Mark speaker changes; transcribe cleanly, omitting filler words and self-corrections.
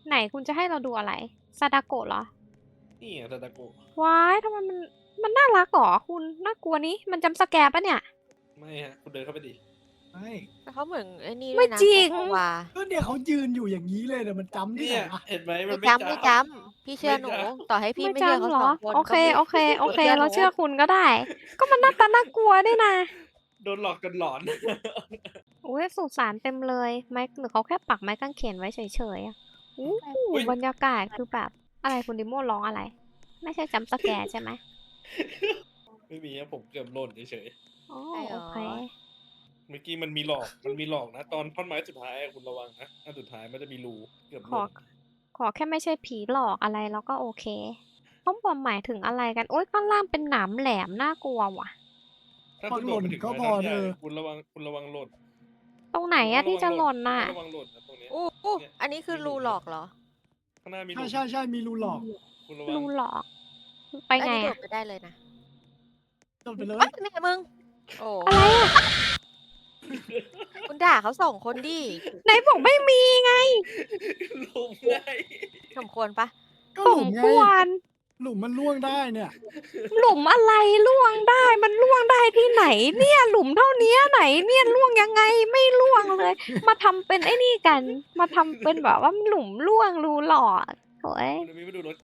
Speaker 1: ไหนคุณจะให้เราดูอะไรซาดาโกะเหรอ
Speaker 2: นี่ไงตาตะโกะ
Speaker 1: ว้ายทำไมมันน่ารักเหรอคุณน่ากลัวนี้มันจำสแกร์ปะเนี่ย
Speaker 2: ไม่ฮะคุณเดินเข้าไปดิ
Speaker 3: ไม่
Speaker 4: แต่เขาเหมือนไอ้นี่ด้
Speaker 1: ไม่
Speaker 4: วยนะ
Speaker 1: จริง
Speaker 4: โกโกวา
Speaker 3: ก็เนี่ยเขายืนอยู่อย่างนี้เลยแต่มันจำที่
Speaker 2: เนี่
Speaker 3: ไหน
Speaker 2: ย
Speaker 3: อะ
Speaker 2: เห็นไหมมั
Speaker 4: ไม่
Speaker 2: นไม่
Speaker 4: จำไม่จำพี่เชื่อหนู
Speaker 2: ไม่จำ
Speaker 4: ต่อให้พี่
Speaker 1: ไม่
Speaker 4: ไม่เชื่อ
Speaker 1: จำ
Speaker 4: เขา
Speaker 1: เหร
Speaker 4: ส
Speaker 1: อ
Speaker 4: องคน
Speaker 1: โอเค
Speaker 4: ก็
Speaker 1: โอเคโอเค
Speaker 4: หนู
Speaker 1: เราเชื่อคุณก็ได้ ก็มันหน้าตาน่ากลัวด้วยนะ
Speaker 2: โดนหลอกจนหลอน
Speaker 1: อุ้ยสุสานเต็มเลยไม้หรือเขาแค่ปักไม้กางเขนไว้เฉยๆอ่ะอู้
Speaker 2: อุ๊ย
Speaker 1: บรรยากาศคือแบบอะไรคุณดิโมร้องอะไร ไม่ใช่จำสแกร์ใช่ไหม
Speaker 2: ไม่มีครับผมเกือบหล่นเฉย
Speaker 1: อ๋อ
Speaker 4: ใช่เหร
Speaker 1: โอ
Speaker 4: อ
Speaker 1: เค
Speaker 2: ๆเมื่อกี้มันมีหลอกนะ ตอนท่อนไม้สุดท้ายอะคุณระวังนะอันสุดท้ายมันจะมีรูเกือบห
Speaker 1: ขอ
Speaker 2: ล่น
Speaker 1: ขอแค่ไม่ใช่ผีหลอกอะไรแล้วก็โอเคต้องบอมหมายถึงอะไรกัน โอ๊ยข้างล่างเป็นหนามแหลมน่ากลัวว่ะ
Speaker 2: ถ้า
Speaker 3: พอ
Speaker 2: คุณ
Speaker 3: ห
Speaker 2: โด
Speaker 3: ล่
Speaker 2: ด
Speaker 3: น
Speaker 2: ไปถึง
Speaker 3: ก็
Speaker 2: ไม้
Speaker 3: พ
Speaker 2: ท่
Speaker 3: อ
Speaker 2: อนใหญ่ คุณระวังหล่น
Speaker 1: ตรงไหนอะที่จะหล่นน่ะ
Speaker 2: ระวังหล่นนะตรงเนี้ย
Speaker 4: อู้
Speaker 2: เนี่ย
Speaker 4: อันนี้คือ
Speaker 2: มีหลุ
Speaker 4: รู
Speaker 2: ม
Speaker 4: หลอกเหรอ
Speaker 2: ข้างหน้ามีห
Speaker 3: ใช่
Speaker 2: ลุม
Speaker 3: ใช่มีรูหลอก
Speaker 2: คุณระวัง
Speaker 1: รูหลอก ไป
Speaker 4: อัน
Speaker 1: ไง
Speaker 4: นี้โด
Speaker 1: อะ
Speaker 4: ดไปได้เลยนะ
Speaker 3: จบไปเลย
Speaker 4: เอ้ยนี่มึง โอ้
Speaker 1: อะไรอะ
Speaker 4: คุณด่าเขาสองคนดิ
Speaker 1: ไหนบอกไม่มีไง
Speaker 2: หลุมไง
Speaker 4: สมควรปะ
Speaker 3: ก็
Speaker 1: ส
Speaker 3: หลุ
Speaker 1: ม
Speaker 3: มไง
Speaker 1: ควร
Speaker 3: หลุมมันล่วงได้เนี่ย
Speaker 1: หลุมอะไรล่วงได้มันล่วงได้ที่ไหน เนี่ยหลุมเท่านี้ไหนเนี่ยล่วงยังไงไม่ล่วงเลย มาทำเป็นไอ้นี่กัน มาทำเป็นแบบว่าหลุมล่วงรูหลอกโอ้ย
Speaker 2: คุณมีมาดูรถ